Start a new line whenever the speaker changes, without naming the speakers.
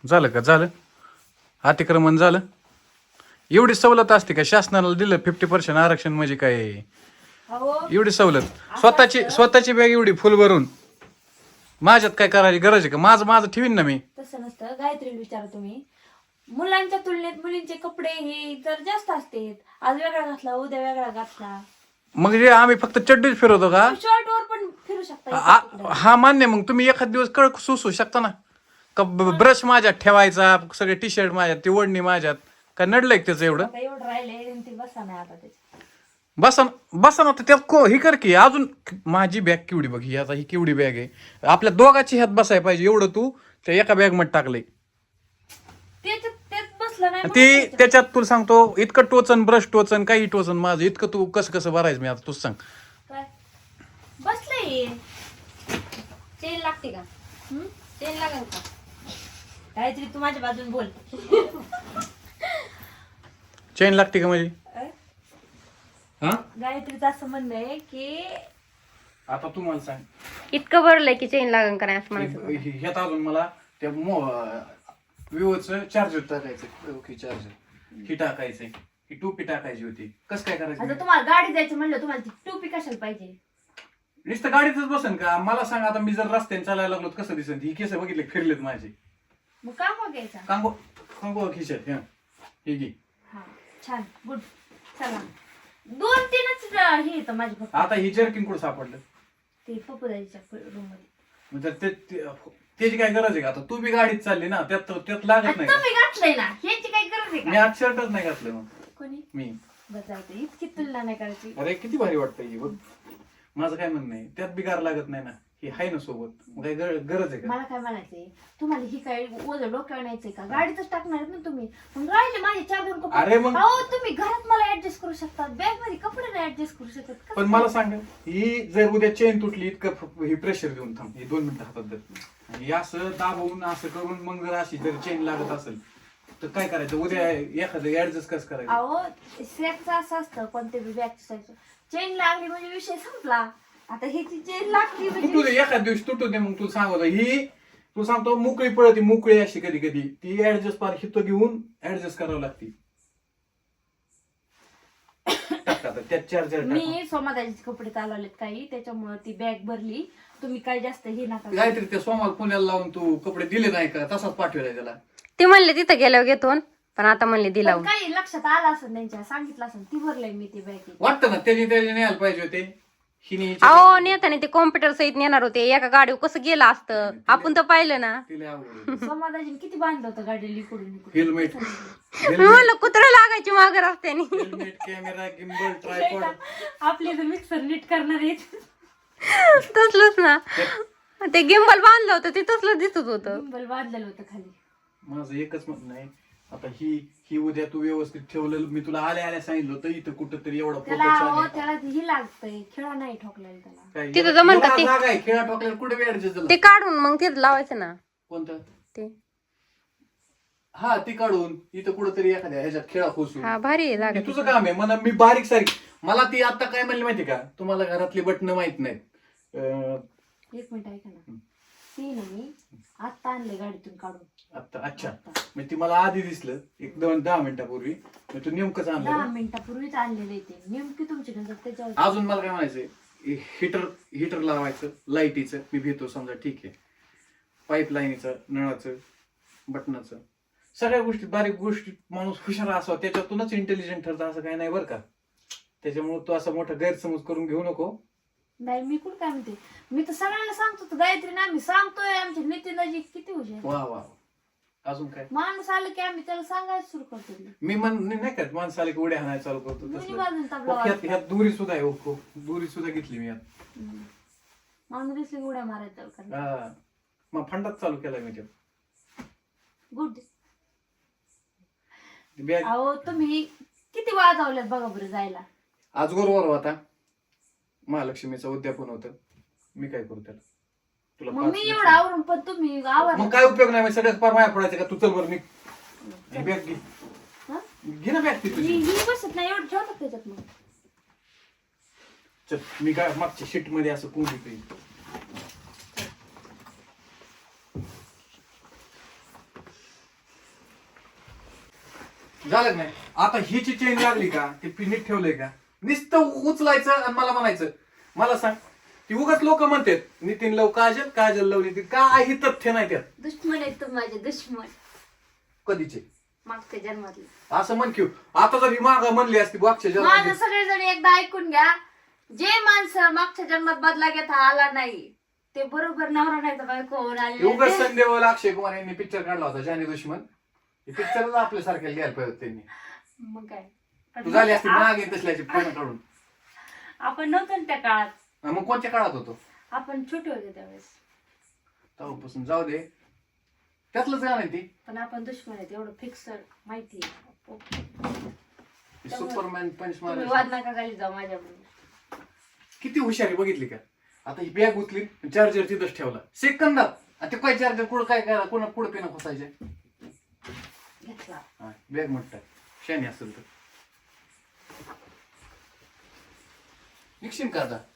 झालं का? झालं अतिक्रमण झालं? एवढी सवलत असते का? शासनाला दिलं 50% आरक्षण म्हणजे काय?
अहो
एवढी सवलत स्वतःची बॅग एवढी फुल भरून माझ्यात काय करायची गरज आहे का? माझं माझं ठेवीन ना मी.
तसं नसतं. गायत्रीला विचारा तुम्ही. मुलांच्या तुलनेत मुलींचे कपडे हे जर जास्त असते. आज वेगळा घातला उद्या वेगळा घातला.
मग जे आम्ही फक्त चड्डीच फिरवतो का?
शॉर्ट वर पण फिरू शकता.
हा मान्य. मग तुम्ही एखाद दिवस कळ सुसू शकता ना का? ब्रश माझ्यात ठेवायचा, सगळे टी शर्ट माझ्यात, ती ओढणी माझ्यात. काय नडलंय का त्याचं एवढं?
आता एवढं राहिलंय ती बसा नाही आता त्याच्या.
बसा ना तर त्यात ही कर की अजून. माझी बॅग केवढी बघ ही, आता ही केवढी बॅग आहे. आपल्या दोघाची ह्यात बसायला पाहिजे एवढं तू त्या एका बॅग मध्ये टाकलंय.
तेच बसलं नाही म्हणून
ती
त्याच्यात.
त्याच्यात तुला सांगतो इतकं टोचन, ब्रश टोचन, काही टोचन माझं इतकं. तू कसं कसं भरायचं मी आता तूच सांग.
काय बसलंय.
चेन लागते का? चेन लागेल का?
गायत्री तू माझ्या बाजून बोल.
चेन लागते का म्हणजे? हा
गायत्रीचं असं म्हणणं आहे की
आता तू मला सांग.
इतकं भरलंय की चेन लागेल का नाही असं म्हणायचं.
ह्यात अजून मला त्या विवोचं चार्जर टाकायचं. ओके चार्जर ही टाकायचंय. ही टोपी टाकायची होती. कसं काय करायचं?
आता तुम्हाला गाडी जायचं म्हणलं तुम्हाला ती टोपी कशाला पाहिजे?
नुसतं गाडीतच बसन का? मला सांग आता मी जर रस्त्याने चालायला लागलो तर कसं दिसन? ही केस बघितले फिरलेत माझे.
मग का मग घ्यायचा?
कांगो कांगो खिशात हे घे.
हा छान गुड. चला 2-3च हे येतं माझी फक्त.
आता ही जर्किन कुठं सापडलं?
ते पप्पूदाईच्या रूम मध्ये.
म्हणजे त्याची काय गरज आहे का? आता तू बी गाडीत चालली ना, त्यात लागत नाही का?
तुम्ही घातलंय ना ह्याची काही गरज आहे
मी
का?
आज शर्टच नाही घातलं. मग
कोणी
मी
बजावते इतकी तुलना नाही करायची.
अरे किती भारी वाटतं ही बघ. माझं काय म्हणणं आहे, त्यात बिगार लागत नाही ना. ही आहे ना सोबत. मग काय गरज आहे का?
मला काय म्हणायचंय तुम्हाला ही काय ओझं डोक्यावर न्यायचंय का? गाडीतच टाकणार आहेत ना तुम्ही. मग राहिले माझे 4-2 कपडे.
अरे मग
अहो तुम्ही घरात मला ऍडजस्ट करू शकता. बॅग मध्ये कपडे नाही ऍडजस्ट करू शकत का?
पण मला सांग, ही जर उद्या चेन तुटली इतकं ही प्रेशर देऊन थांब. ही 2 मिनिटं हातात धर. आणि असं दाबवून असं करून मग जर अशी जर चेन लागत असेल तर काय करायचं? उद्या एखादं ऍडजस्ट कसं करायचं?
अहो स्लॅबचं असं असतं कोणते बी बॅगचं चेन लागली म्हणजे विषय संपला. आता ह्याची चेन लागली
तुटू
म्हणजे
दे एखाद दिवशी तुटू दे. मग तू सांगतो ही तू सांगतो मोकळी पळती मोकळी अशी कधी कधी ती ऍडजस्ट पार हित घेऊन ऍडजस्ट करावं लागते. त्यात चार्जर
मी सोमादाजीचे कपडे चालवलेत काही त्याच्यामुळे ती बॅग भरली. तुम्ही काय जास्त हे नका.
काहीतरी त्या सोमाला पुण्याला लावून तू कपडे दिले नाही का? तसाच पाठवलाय त्याला.
ते म्हणले तिथं गेल्यावर घेतो पण आता म्हणले दिला.
पण काही लक्षात आलं असेल त्यांच्या सांगितलं असेल ती भरलंय मी ती बॅग.
वाटतं ना त्याने न्यायला पाहिजे होते. हिने
अहो नेताने ते कॉम्प्युटर सहित नेणार होते. एका गाडीवर कसं गेलं असतं आपण तर पाहिलं ना.
तिला आवडलं.
सोमादाजीने किती बांधलं होतं गाडी लिकडून
हेल्मेट
मी म्हणलं कुत्रा लागायची माग रस्त्याने.
Helmet camera gimbal tripod.
आपले मिक्सर नीट करणार आहेत.
तसलंच ना. ते गिम्बल बांधलं होतं ते तसलं दिसत होतं.
गिम्बल बांधलेलं होतं खाली.
माझं एकच म्हणणं आहे आता ही उद्या तू व्यवस्थित ठेवलं. मी तुला आल्या सांगितलं होतं इथं कुठं तरी एवढा
त्याला
फोटो छान
अहो,
आहे.
त्याला ही लागतंय खेळा नाही ठोकलेला त्याला.
काय
तिथं जमन का
याला
ते?
जागा आहे खेळा टोकल्याला कुठे बी ऍडजस्ट झालं.
ते काढून मग तिथं लावायचं ना.
कोणतं?
ते
हा ती काढून इथं कुठंतरी एखाद्या ह्याच्यात खेळा खोसून.
हा भारी आहे
हे
जागा.
तुझं काम आहे. मला मी बारीक सारीक मला ती आता काय म्हणली माहिती का? तुम्हाला घरातली बटणं माहित नाहीत.
एक मिनिट ऐका ना. ती ना मी आत्ता आणले गाडीतून काढून.
आता अच्छा म्हणजे ती मला आधी दिसलं 1-10 मिनिटापूर्वी. तू नेमकंच आणलं
10
ना?
मिनिटापूर्वीच आणलेले ते नेमकी तुमची नजर त्याच्यावर.
अजून मला काय म्हणायचंय, हिटर लावायचं लाईटीचं मी भेटतो समजा ठीक आहे. पाईपलाईनीचं, नळाचं, बटनाचं, सगळ्या गोष्टी बारीक गोष्टी माणूस हुशार असावा त्याच्यातूनच इंटेलिजंट ठरतं असं काही नाही बरं का. त्याच्यामुळे तू असं मोठा गैरसमज करून घेऊ नको.
नाही मी कुठं काय म्हणते. मी तर सगळ्यांना सांगतो तर गायत्री ना आम्ही सांगतोय आमच्या नितीनदाजी किती हुशार.
वा वा अजून काय?
माणूस आलं की आम्ही त्याला सांगायला सुरू करतो.
मी नाही का माणसाला की उड्या हाणायला चालू करतो
दोन्ही
तसलं.
बाजून तबला
ह्यात दुरी सुद्धा आहे. हो दुरी सुद्धा घेतली मी यात.
माणूस दिसले की उड्या मारायचं कारण
हा मग फंडात चालू केला मी त्यात.
गुड.
बॅग
अहो तुम्ही किती वाजवल्यात बघा बरं जायला.
आजगोर होता महालक्ष्मीचं उद्यापन होतं. मी काय करू त्याला? तुला
मग
5
मी एवढं आवरून पण तुम्ही आवर.
मग काय उपयोग नाही. सगळ्यात पार माया पडायचं का? तू चल बरं मी बॅग घे.
हा?
घे ना बॅग ती तुझी.
ही बसत नाही एवढं ठेवतात त्याच्यात मग.
चल मी काय मागच्या शीट मध्ये असं कोंबडी पेन. झालं नाही आता हिची चेन लागली का ते नीट ठेवलंय का नुसतं उचलायचं आणि मला म्हणायचं मला सांग ती उगाच लोक म्हणतात नितीन लव काजल काजल लव नितीन काही तथ्य नाही त्यात
दुश्मन आहेत तुम्ही माझे दुश्मन
कधीचे
मागच्या जन्मातले.
असं म्हण की आता जर ही माग म्हणली असती मागच्या
माझं
जन्मात
सगळेजण एकदा ऐकून घ्या. जे माणसं मागच्या जन्मात बदला घेता आला नाही ते बरोबर नवरा नाही तर बायको होऊन
उगाच
आले.
संदेवाला अक्षय कुमार यांनी पिक्चर काढला होता जानी दुश्मन पिक्चरच आपल्यासारख्या घ्यायला पाहिजे होते त्यांनी
मग काय
तू झाली असती मागे तसल्याची फोन काढून
आपण नव्हतो ना त्या काळात.
मग कोणत्या काळात होतो
आपण छोटे होते त्यावेळेस.
तेव्हापासून जाऊ दे त्यातलंच गाणं आहे ती
पण आपण दुश्मन आहेत एवढं फिक्स माहिती
सुपरमॅन पंच
तुम्ही
मार
वाद नका घाली जाऊ माझ्याबरोबर.
किती हुशारी बघितली का आता ही बॅग उचली चार्जर तिथंच ठेवला सेकंदात आणि ते काय चार्जर कुठं काय करा कोणा पुढं पेन खोसायचे
घेतला.
बॅग म्हणतात शानी असेल तर निघशील का आता